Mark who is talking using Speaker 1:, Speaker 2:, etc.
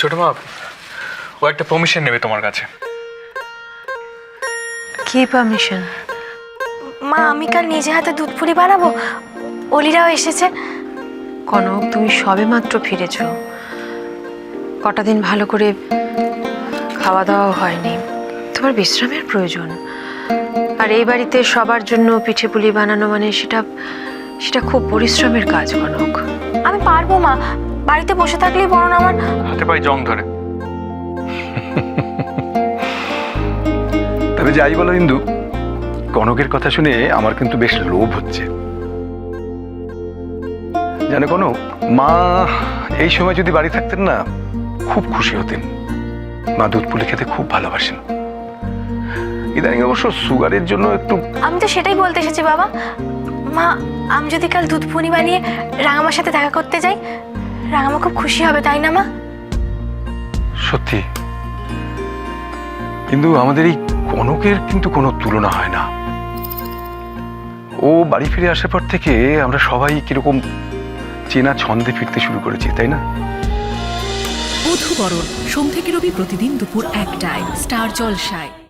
Speaker 1: ছোট মা, ও একটা পারমিশন নেবে তোমার কাছে।
Speaker 2: কি পারমিশন?
Speaker 3: মা, আমি কাল নিজে হাতে দুধ পুলি বানাবো, অলিরাও এসেছে।
Speaker 2: কনক, তুমি সবে মাত্র ফিরেছ, কটা দিন ভালো করে খাওয়া দাওয়া হয়নি, তোমার বিশ্রামের প্রয়োজন। আর এই বাড়িতে সবার জন্য পিঠে পুলি বানানো মানে সেটা সেটা খুব পরিশ্রমের কাজ কনক।
Speaker 3: আমি পারবো মা, বাড়িতে বসে থাকলেই বরং আমার
Speaker 1: হাতে পায়ে জং ধরে।
Speaker 4: তবে যাই বলো ইন্দু, কনকের কথা শুনে আমার কিন্তু বেশ লোভ হচ্ছে। জানো কনক, মা এই সময় যদি বাড়ি থাকতেন না, খুব খুশি হতেন। মা দুধ পুলি খেতে খুব ভালোবাসেন। ইদানিং অবশ্য সুগারের জন্য একটু।
Speaker 3: আমি তো সেটাই বলতে এসেছি বাবা। মা, আমি যদি কাল দুধ পুলি বানিয়ে রাঙামার সাথে দেখা করতে যাই, রাঙামা খুব খুশি হবে, তাই না মা?
Speaker 4: সত্যি কিন্তু আমাদের এই কনকের কিন্তু কোনো তুলনা হয় না। ও বাড়ি ফিরে আসার পর থেকে আমরা সবাই কিরকম চেনা ছন্দে ফিরতে শুরু করেছি, তাই না?
Speaker 5: বধূবরণ সোম থেকে রবি প্রতিদিন দুপুর 1টায় স্টার জলসায়।